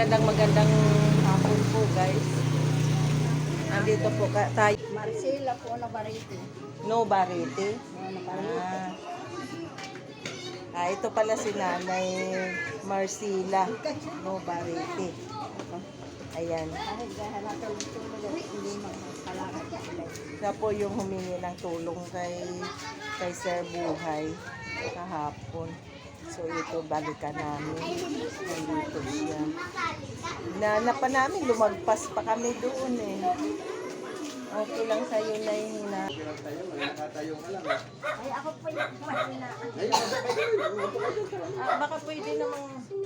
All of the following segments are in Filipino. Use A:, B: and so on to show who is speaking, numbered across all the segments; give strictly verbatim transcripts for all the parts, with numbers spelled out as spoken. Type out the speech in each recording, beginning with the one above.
A: magandang magandang hapon po guys. Andito po ka, tayo.
B: Marcela po na Bariti.
A: No Bariti.
B: No na Bariti.
A: Ah. ah, ito pala si Nanay Marcela. No Bariti. Ayan.
B: Kahit dahil natulog-tulog, hindi magpalakad sila.
A: Siya po yung humingi ng tulong kay kay Sir Buhay kahapon. So ito balikan namin. Nandito siya. Naanapan namin, lumagpas pa kami doon eh. Okay lang sa'yo na yung hina.
C: Nakatayo ka lang.
B: Ay, ako po yung mahina.
A: Ah, baka pwede namang...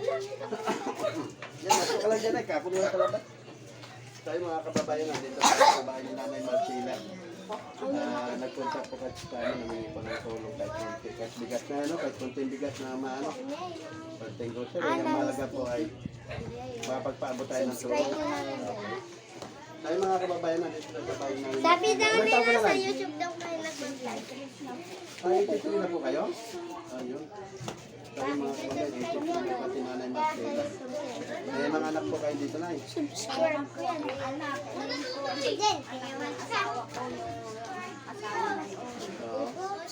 C: Yan, masuk ka lang dyan ay. Kakulo na talabat. Tayo mga kababayan natin. Ito sa bahay ni Nanay Marcela. Uh, nagpunta po kahit sa ano, namingi po ng tulong kahit konti. Kahit bigas na ano, kahit konting bigas na maano. Konting grocery. Ang mahalaga po ay mapagpaabot tayo ng tulong. Tayo mga kababayan natin sa bahay namin.
D: Sabi daw nila sa YouTube daw kayo nag-live.
C: Ay, itutuloy na po kayo? Ayun. Tayo mga kababayan, itutuloy na pati Nanay Marcela. May mga anak po kayo dito na eh.
D: Subscribe ko yan. Anak. Din.
B: Asawa ko yung asawa na yun.
C: Oo.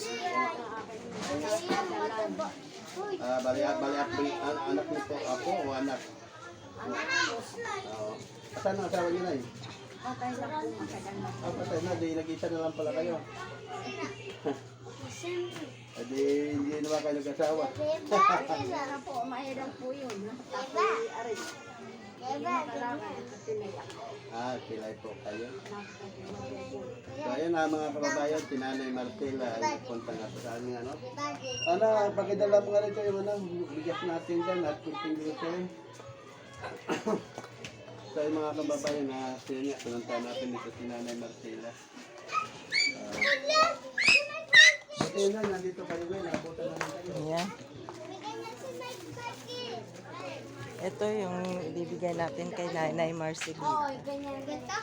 D: Oo.
C: Ah, bali at bali at bali- an- anak niyo po ako o anak? Oo. Saan ang asawa niyo na eh?
B: Okay lang po, matagal na po.
C: Ah, patay na, di nag-isa na lang pala kayo. Eh, di hindi naman kayo nag-asawa.
B: Sana po, mahirap po yun. Tapos, arin. Kailangan tinaya.
C: Ah, kilay po kayo. So ayun na mga kababayan, si Nanay Marcela ay punta nga sa aming ano. Ano, pakidala mo nga rito yung ano, bigas natin dyan at kunting grocery. So ayun mga kababayan, na sila nga, pinuntahan natin dito si Nanay Marcela. Uh, ayun na, nandito kayo ngayon, nakabutan namin kayo.
A: Ayan. Ito yung ibibigay natin kay Nanay Marcela.
D: Oo, ganyan ganito.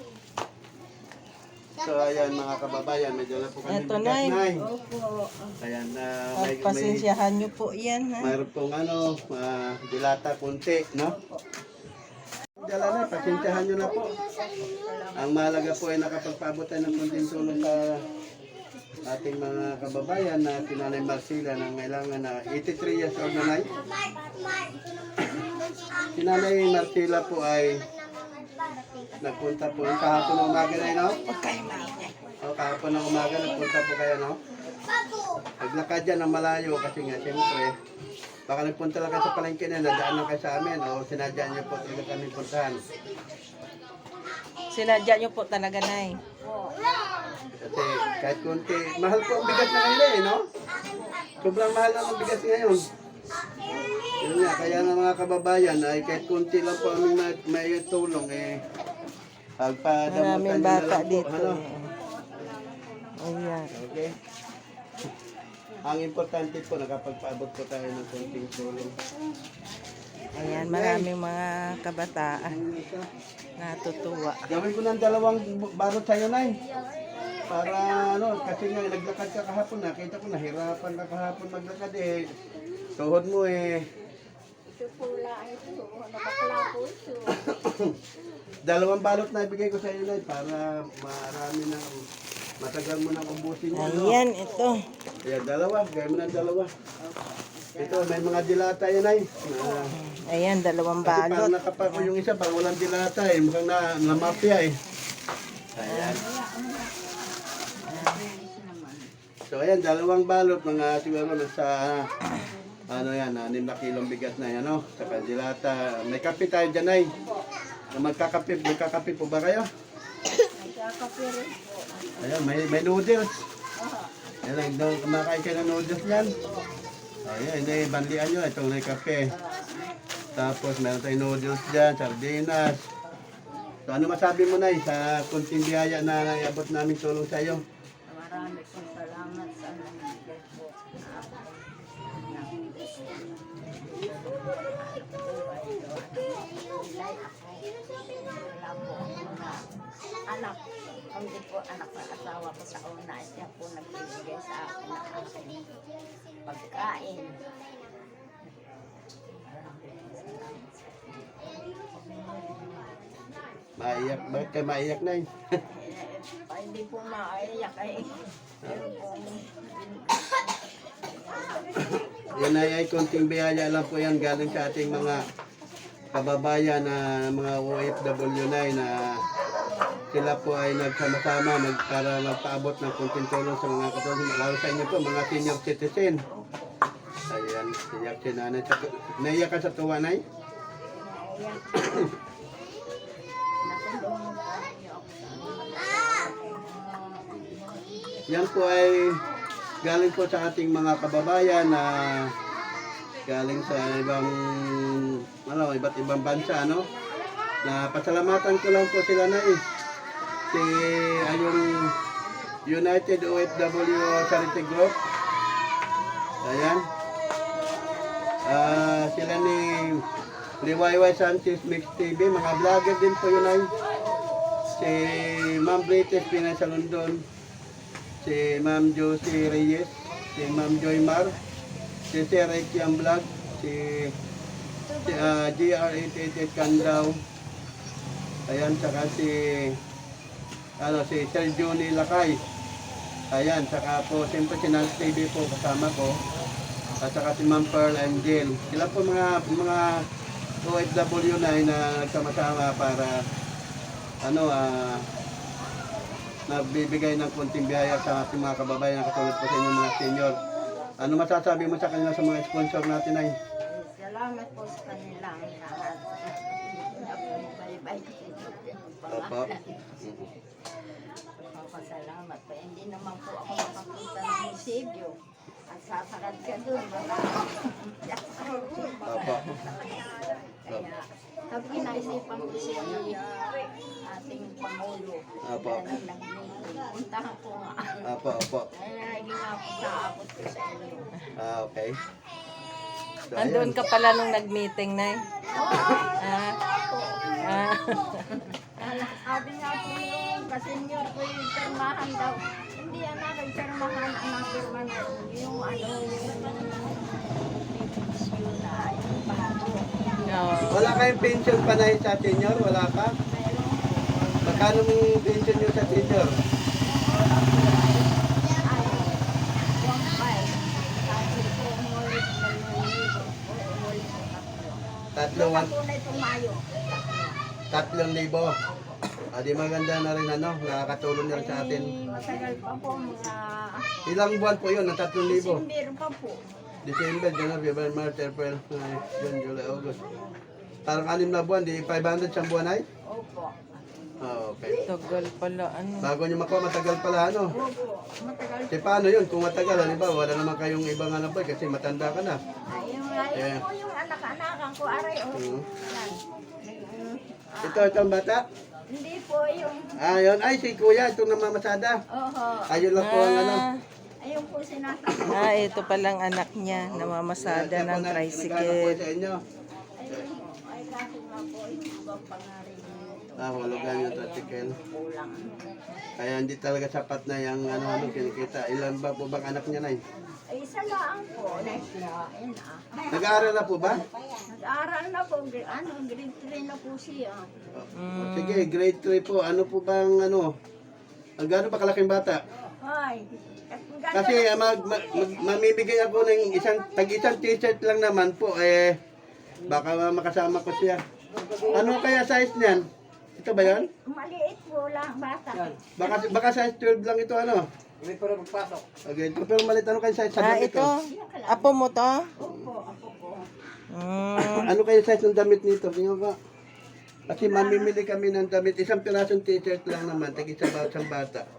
C: So ayan mga kababayan, medyo na po kami
A: Ito,
C: bigas,
A: Nay.
C: Nay.
B: Opo.
C: Ayan na, may, may,
A: Pasensyahan nyo po yan ha.
C: mayroon pong ano, uh, dilata kunti, no? Dala na, pasensyahan nyo na po. Ang mahalaga po ay nakapagpaabot tayo ng kunting tulong sa ating mga kababayan na si Nanay Marcela na kailangan na eighty-three years old na Nay. Si Nanay Marcela po ay nagpunta po yung kahapon ng umaga na yun, no? O, kahapon ng umaga nagpunta po kayo, no? Naglakad dyan ng malayo kasi nga siyempre baka nagpunta lang kayo sa palengke na nadaan lang kayo sa amin o sinadya niyo po talaga kami puntahan.
A: Sinadya nyo po talaga, Nay.
C: Kasi kahit kunti, mahal po ang bigas na kanila eh, no? Sobrang mahal lang ang bigas ngayon. Yun nga, kaya ng mga kababayan ay kahit kunti lang po aming may, may tulong eh. Pagpadamutan
A: Maraming
C: nyo na
A: bata
C: lang po,
A: dito.
C: ano?
A: Ayan.
C: Okay. Ang importante po, nakapagpaabot po tayo ng kunting tulong.
A: Ayan, maraming mga kabataan natutuwa.
C: Gawin ko ng dalawang barot sa'yo, Nay. Para ano, kasi nga naglakad ka kahapon, nakita ko nahirapan ka kahapon maglakad eh. Tuhod mo eh.
B: Ito pula ito. Nakakala po ito.
C: Dalawang balot na ibigay ko sa iyo, Nay, para marami na matagal mo nang ubusin yan. no?
A: Ayan, ito.
C: Ayan, dalawa. Gawin mo ng dalawa. Ito, may mga dilata yun, Nay. Na,
A: Ayan, dalawang
C: kasi parang
A: balot.
C: nakapako yung isa, parang walang dilata eh. Mukhang na, namapya eh. Ayan. So ayan, dalawang balot, mga siguro nasa, ano yan, anim na kilong bigas na yan, no? Saka dilata. May kape tayo dyan, Nay. Magkakape, magkakape po ba kayo?
B: Nagkakape rin po.
C: Ayan, may, may noodles. Ayan, daw kumakain kayo ng noodles yan. Ayan, hindi, bandian nyo, itong may kape. Tapos meron tayong noodles dyan, sardinas. So ano masabi mo, Nay, sa kunting biyaya na naiabot namin tulong sa iyo?
B: Marami pong salamat sa nangyayari po. Wala po ang mga anak. Hindi po anak ng asawa ko sa una. Siya po nagbibigay sa akin ng aking pagkain. Maraming salamat sa inyo.
C: Maiyak. Bakit kayo maiyak na
B: Eh, pa- hindi po maiyak ay meron pong
C: Yan ay, ay konting biyaya lang po yan galing sa ating mga kababayan na mga O F W na na sila po ay nagsama-sama mag, para magpaabot ng konting tulong sa mga katulong. Lalo sa inyo po, mga senior citizen. Ayan, iyak si nanay. Sa- Naiyak ka sa tuwa, nay?
B: naiyak. Natulungan po niyo ako sa
C: Yan po ay galing po sa ating mga kababayan na galing sa ibang ano, iba't ibang bansa, no? Na pasalamatan ko lang po sila na eh. Si ay yung United O F W Charity Group. Ayan. Ah, sila ni Liwayway Sanchez Mix T V, mga vlogger din po yun ay. Si Ma'am British Pinay sa London. Si Ma'am Josie Reyes, si Ma'am Joy Mar, si Sir Ekiam Vlog, si, si uh, G R eight eight eight Candaw, ayan, saka si, ano, si Sir Johnny Lakay, ayan, saka po, siyempre si Nance T V po kasama ko, at saka si Ma'am Pearl Angel. Sila po mga, mga O F W na na nagsama-sama para, ano, ah, nagbibigay ng konting biyaya sa ating mga kababayan na katulad po sa inyong mga senior. Ano masasabi mo sa kanila sa mga sponsor natin ay?
B: salamat po sa kanilang lahat. Bye-bye.
C: Opo.
B: Papasalamat po. Hindi naman po ako makapunta ng munisipyo. At sasakad ka doon.
C: Opo.
B: Kaya, sabi kinaisipan ko si ating Pangulo.
C: Opo.
B: Na nag-meeting. Puntahan ko nga.
C: Opo, opo.
B: Kaya hindi nga ako saabot ko sa inyo.
C: Ah, okay. So,
A: Andun ka pala nung nag-meeting, Nay. Ah. Ah.
B: Sabi nga po yung kasenyor ko yung pirmahan daw. Hindi yan na kay pirmahan ang pirma na yung ano yung pension na yung bago.
A: Oo.
C: wala kayong pension pa na sa senior? Wala pa?
B: Mayroon po.
C: Magkano yung pension nyo sa senior?
B: Ay, one five. Sabi ko umulit na yung libo. Umulit ko tatlo.
C: Tatlo,
B: Yung
C: one,
B: po na itong Mayo.
C: tatlong libo. Ah, di maganda na rin ano, nakakatulong na rin sa atin.
B: Ay, matagal pa po mga
C: Ilang buwan po yun, na tatlong libo?
B: December pa po.
C: December, January, February, March, April, May, June, July, August. Parang anim na buwan, di five hundred siyang buwan ay?
B: Opo.
C: Ah, okay.
A: Tagal pala, ano.
C: Bago nyo makuha, matagal pala ano.
B: Opo. Matagal
C: Kasi paano yun? Kung matagal, halimbawa, wala naman kayong ibang anak po kasi matanda ka na.
B: Ay, yung, ay,
C: Eh.
B: po yung anak-anakan ko, aray, oh.
C: Mhm.
B: Yan. Mm, ah,
C: Ito, itong bata.
B: Hindi po yung,
C: Ah, yun. Ay, si kuya, itong namamasada.
B: oho,
C: Ayun lang po ang ano.
A: Ah,
B: ayun po sinasabi.
A: ah, ito palang anak niya, namamasada
C: Siya po
A: ng
C: na- nagano po
A: tricycle.
C: sa inyo.
B: Ayun po, ay kaso nga po, yung ibang pangarin nito.
C: Ah, hulugan yung tricycle.
B: Kulang.
C: Kaya hindi talaga sapat na yung ano, ano, kinikita. Ilan ba po bang anak niya na
B: Ay, isa lang po. Next na, ayun ah.
C: Nag-aaral na po ba?
B: Nag-aaral na po, gr- ano, grade three na po siya.
C: Oh, sige, grade three po. Ano po bang ano? Ang gano'n pa kalaking bata?
B: Ay,
C: Kasi ah, mag, mag, mag- mamimigay ako ng isang, tag isang t-shirt lang naman po. Eh, baka makasama ko siya. Ano kaya size niyan? Ito ba yan?
B: maliit po lang, bata.
C: Baka, baka size twelve lang ito ano?
E: Hindi pa rin magpasok.
C: Okay, ito pero malit ano kayo size sa
A: Ah,
C: damit
A: ito.
C: ko?
A: Apo mo to?
B: Opo, ako po.
A: Mm.
C: Ano kayo size ng damit nito? Tingnan ko. Kasi mamimili kami ng damit. Isang pirasong t-shirt lang naman. Tag isa ba isang bata.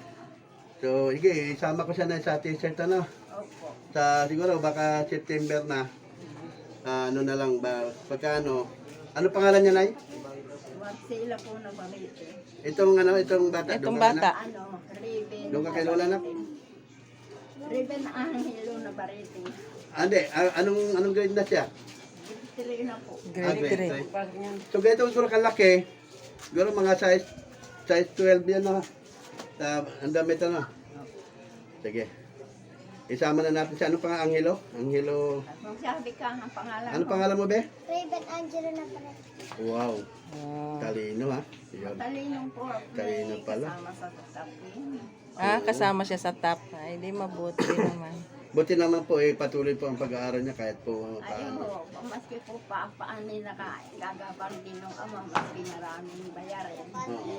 C: So, sige, isama ko siya na sa t-shirt ano.
B: Opo.
C: Sa siguro baka September na. Ah, ano na lang ba? Pagkano? Ano pangalan niya, Nay?
B: Wag sila po na pamilya.
C: Itong ano, itong bata.
A: Itong
C: doon ka,
A: bata.
B: Ano, Raven.
C: Doon ka kay Lola, nak?
B: Raven Angelo na barete.
C: Ah, hindi. Ah, anong, anong grade na siya?
B: Tiri na po.
C: Ah,
A: Grade three.
C: three. So, ganito siguro kalaki. Siguro mga size size twelve yan na. Uh, ang damit ano. Sige. isama na natin siya. Ano pang Angelo? Angelo.
B: Magsabi ka ang pangalan
C: Ano
B: ko.
C: pangalan mo, be?
D: Raven Angelo na pala.
C: Wow.
A: Ah,
C: Talino, ha? Yun.
B: Talinong po.
C: Talino pala.
B: Kasama sa tapin.
A: ah, kasama siya sa top. Ay, di mabuti naman.
C: Buti naman po, eh, patuloy po ang pag-aaral niya kahit po uh,
B: Ayun
C: paano.
B: ho, maski po pa, paan nila ka, gagabang din ng ama, maski maraming bayaran.
C: Oo.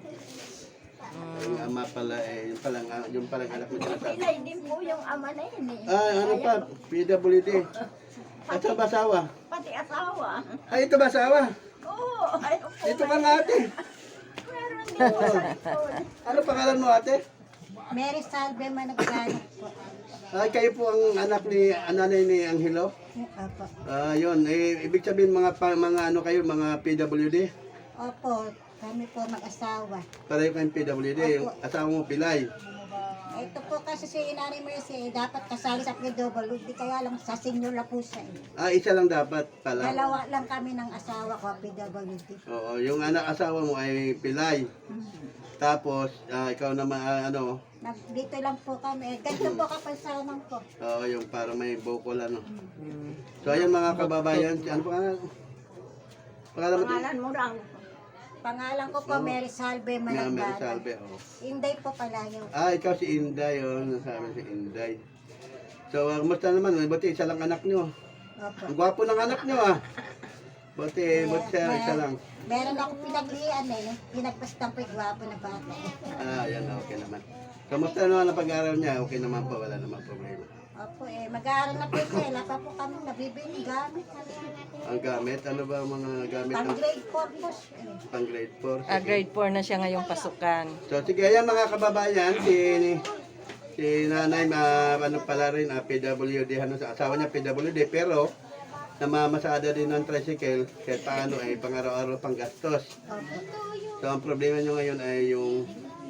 A: Mm.
C: Yung ama pala, eh, yung palang, ah, yung palang anak mo sinasabi.
B: Pilay din po yung ama na yun eh.
C: Ah, ano pa? P W D. Ito ba asawa?
B: Pati asawa.
C: Ay, ito ba asawa?
B: Oo, ayun po.
C: Ito ka nga ate.
B: Meron din po sa likod.
C: Ano pangalan mo ate?
E: Mary Salve Managbanok po.
C: Ay, kayo po ang anak ni, ananay ni Angelo?
E: Opo.
C: Ah, yun. Eh, ibig sabihin mga, pa, mga ano kayo, mga P W D?
E: Opo, kami po mag-asawa.
C: Pareho kayong P W D. Yung asawa mo, Pilay.
E: Ito po kasi si Nanay Mercy, eh, dapat kasali sa P W D, kaya lang sa senior na po siya. Eh.
C: Ah, isa lang dapat pala.
E: Dalawa lang kami ng asawa ko, P W D.
C: Oo, yung anak asawa mo ay Pilay. Tapos, ah, ikaw naman, ah, ano,
E: Nag, dito lang po kami. Eh, ganito po kapansanan ko.
C: oo, yung para may bukol, ano.
A: Mm.
C: So, ayan mga kababayan, ano pa nga? Pangalan mo?
B: Pangalan mo lang.
E: Pangalan ko po, Mary Salve
C: Nga, Mary
E: Managbanok.
C: Salve, oo.
E: Inday po pala yun.
C: Ah, ikaw si Inday, oh. Nasabi si Inday. So, uh, kumusta naman? Buti isa lang anak nyo.
E: Opo.
C: Ang gwapo ng anak nyo, ah. Buti, buti siya, isa lang.
E: Meron akong pinaglian eh. Pinagpastang po yung gwapo na bata.
C: Ah, yan, okay naman. Kamusta naman ang pag-aaral niya? Okay naman po, wala naman problema.
E: Opo eh, mag-aaral na po siya. Wala pa po kami nabibili gamit.
C: Ang gamit, ano ba ang mga gamit
E: Pang
C: ng
E: grade four po siya. eh.
C: pang grade four?
A: Ah, grade four na siya ngayong pasukan.
C: So, sige, ayan mga kababayan, si, si nanay, ma, ano pala rin, ah, P W D, ano, sa asawa niya P W D, pero namamasada din ng tricycle, kahit paano ay pang-araw-araw pang gastos.
E: Opo.
C: So, ang problema nyo ngayon ay yung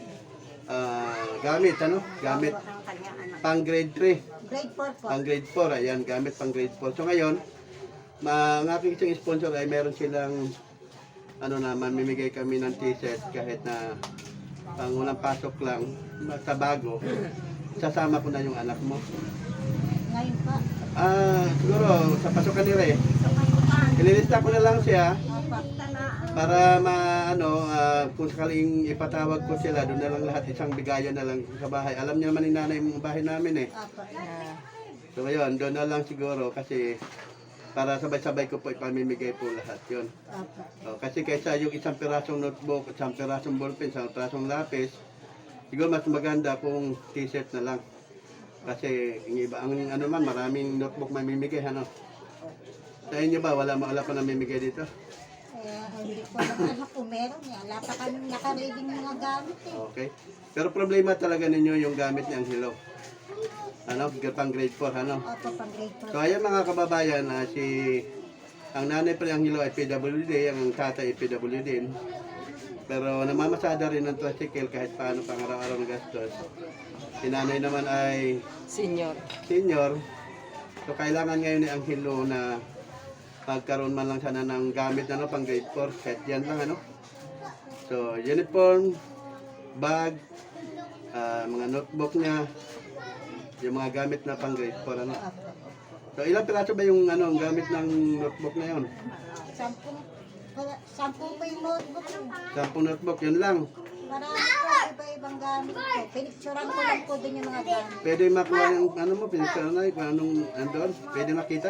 C: ah, gamit, ano? Gamit
B: Ang kanya anak.
C: pang grade three,
E: Grade four po.
C: pang grade four, ayan, gamit pang grade four. So, ngayon, ma, ang aking isang sponsor ay meron silang, ano na, mamimigay kami ng t-shirt kahit na pang unang pasok lang, sa bago, sasama ko na yung anak mo.
E: Ngayon po.
C: Ah, siguro, sa pasukan nila eh. Ililista ko na lang siya
E: Opo.
C: para ma, ano, ah, kung sakaling ipatawag ko sila, doon na lang lahat, isang bigayan na lang sa bahay. Alam niyo naman ni nanay yung bahay namin eh.
E: Opo.
A: Ah,
C: So ngayon, doon na lang siguro kasi para sabay-sabay ko po ipamimigay po lahat yon.
E: Opo.
C: O, kasi kaysa yung isang pirasong notebook, isang pirasong ballpen, isang pirasong lapis, siguro mas maganda kung t-shirt na lang. Kasi yung iba, ang ano man, maraming notebook mamimigay, ano. Sa inyo ba, wala wala pa namimigay dito?
E: Kaya hindi ko alam ano kung meron niya. Wala pa kami nakareading mga gamit eh.
C: Okay. Pero problema talaga ninyo yung gamit ni Angelo. Ano, pang grade four, ano.
E: Opo, pang grade four.
C: So ayan mga kababayan, ah, si ang nanay pa ni Angelo ay P W D, ang tatay ay P W D. Pero namamasada rin ng tricycle kahit paano pang araw-araw ng gastos. Si nanay naman ay
A: senior.
C: senior. So kailangan ngayon ni Angelo na magkaroon man lang sana ng gamit na no, pang grade four, kahit yan lang ano. So uniform, bag, ah, mga notebook niya, yung mga gamit na pang grade four ano.
E: Opo.
C: So ilang piraso ba yung ano, ang gamit ng notebook na yon?
E: Sampung, wala- sampung po yung notebook eh.
C: Sampung notebook, yun lang.
E: Marami po, iba-ibang gamit po. Pinicturean ko lang po dun yung mga gamit.
C: Pwede makuha yung ano mo, pinagsanay, kung anong andon, pwede makita.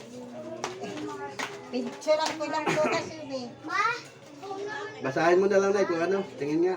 E: Pinicturean ko lang po kasi eh.
C: Basahin mo na lang na kung ano, tingin nga.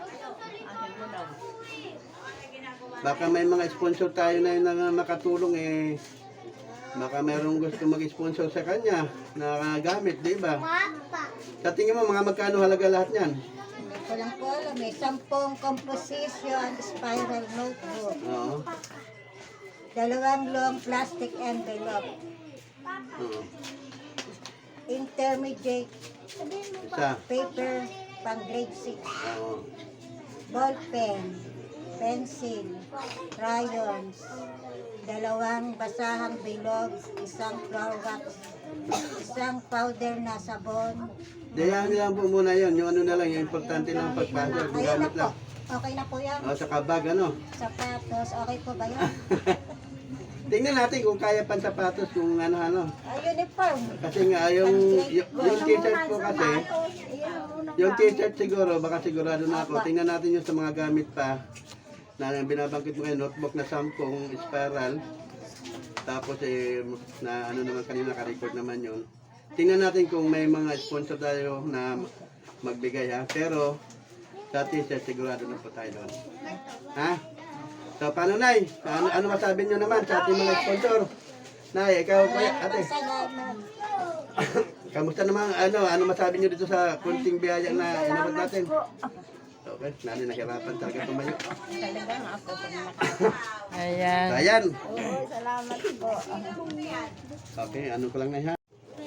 C: Baka may mga sponsor tayo na yun na makatulong eh. Baka mayroong gusto mag-sponsor sa kanya na gamit, di ba? Sa tingin mo, mga magkano halaga lahat niyan?
E: Hindi ko lang po alam eh. Sampung composition spiral notebook.
C: Oo.
E: Dalawang long plastic envelope.
C: Oo.
E: Intermediate
C: Isa.
E: paper pang grade six.
C: Oo.
E: Ball pen, pencil, crayons, dalawang basahang bilog, isang flour wax, isang powder na sabon.
C: Dayan lang po muna yun. Yung ano na lang, yung importante lang pagpasok. Yung
E: Ayun na
C: gamit
E: po.
C: lang.
E: Okay na po yan.
C: O, sa kabag, ano?
E: Sapatos, okay po ba yan?
C: tingnan natin kung kaya pang sapatos kung ano-ano.
E: Ay, uniform.
C: Kasi nga, yung, yung, yung t-shirt po kasi, yung t-shirt siguro, baka sigurado na ako. Tingnan natin yung sa mga gamit pa na binabangkit mo ngayon, notebook na sampung spiral. Tapos eh, na ano naman kanina, ka-record naman yun. Tingnan natin kung may mga sponsor tayo na magbigay ha. Pero sa t-shirt sigurado na po tayo doon. Ha? So paano Nay? Ano, ano masabi nyo naman sa ating mga sponsor? Nay, ikaw kuya, ate.
E: Salamat.
C: Kamusta naman, ano, ano masabi nyo dito sa kunting biyaya na inabot natin? Okay, nani nahirapan talaga tumayo.
B: Talagang ako pag nakaka.
A: Ayan.
C: Ayan.
B: Oo, salamat po.
C: Okay, ano ko lang na ha.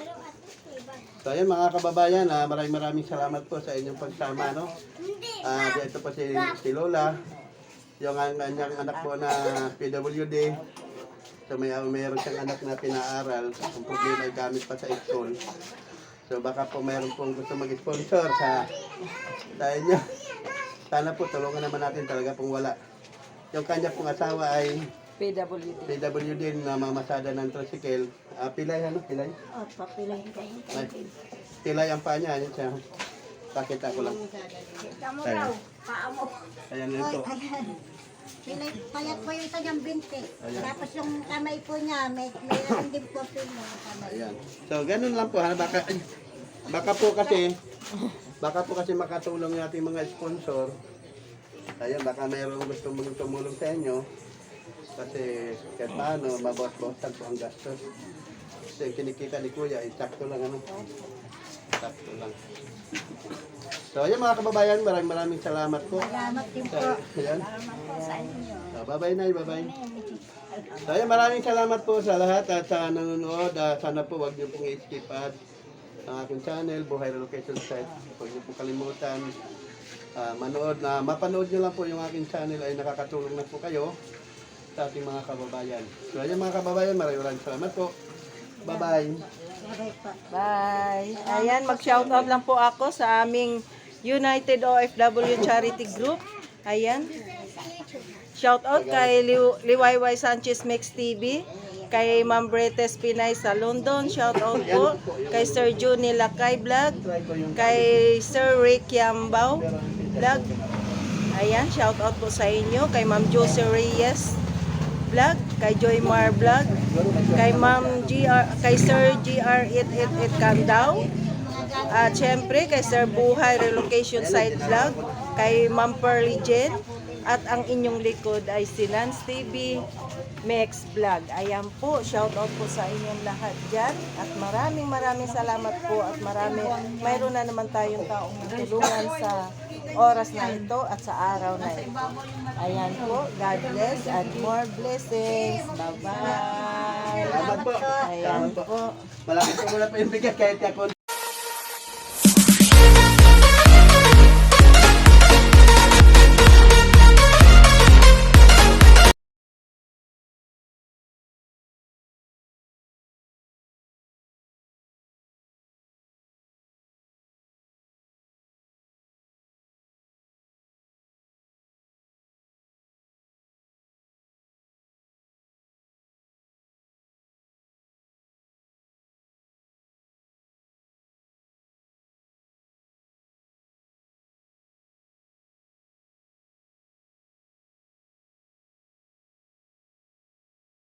C: So ayan mga kababayan, ah, maraming maraming salamat po sa inyong pagsama, no? Ah, dito po si, si Lola, yung ang kanyang anak po na P W D. So may mayroon siyang anak na pinaaral, ang problema ay gamit pa sa school. So baka po mayroon pong gusto mag-sponsor sa sa inyo. Sana po tulungan naman natin, talaga pong wala. Yung kanya pong asawa ay
A: P W D.
C: P W D na mamasada ng tricycle. Ah, pilay ano? Pilay?
E: O, papilay kayo.
C: Ay, pilay ang paa niya. Ayan siya. Pakita ko lang.
B: Kita mo raw, paa mo.
C: Ayan
E: Oy,
C: ito.
E: ayan. Pilay, payat po yung kanyang binti.
C: Ayan.
E: Tapos yung kamay po niya, may mayroon din po po yung kamay.
C: Ayan. So, ganun lang po ha. Baka, ay, baka po kasi, baka po kasi makatulong yung ating mga sponsor. Ayan, baka mayroong gusto mong tumulong sa inyo. Kasi kahit paano, mabawas-bawasan po ang gastos. Kasi yung kinikita ni Kuya, ay sakto lang ano. Sakto lang. So, ayan mga kababayan, maraming maraming salamat po.
E: Salamat din po.
C: Ayan.
B: Salamat po sa inyo.
C: So, bye-bye na, bye-bye. So, ayan, maraming salamat po sa lahat at sa nanonood. Ah, sana po wag niyo pong i-skip ad ang aking channel, Buhay Relocation Site. Huwag niyo po kalimutan ah, manood na mapanood niyo lang po yung aking channel ay nakakatulong na po kayo sa ating mga kababayan. So, ayan mga kababayan, maraming maraming salamat po. Bye-bye.
E: Bye po.
A: Bye. Ayan, mag-shoutout lang po ako sa aming United O F W Charity Group. Ayan. Shoutout kay Liw- Liwayway Sanchez Mix T V, kay Ma'am Bretes Pinay sa London. Shoutout po kay Sir Juni Lakay Vlog, kay Sir Rick Yambao Vlog. Ayan, shoutout po sa inyo. Kay Ma'am Josie Reyes Vlog, kay Joy Mar Vlog, kay Ma'am G R, kay Sir G R eight eight eight Candao. At syempre kay Sir Buhay Relocation Site Vlog, kay Ma'am Pearly Jen, at ang inyong likod ay si Lance T V Mex Vlog. Ayan po, shout out po sa inyong lahat dyan. At maraming maraming salamat po at marami, mayroon na naman tayong taong tulungan sa oras na ito at sa araw na ito. Ayan po, God bless and more blessings. Bye-bye.
C: Salamat po.
A: Ayan
C: Salamat po.
A: po.
C: Malaki po muna po yung bigat kahit ako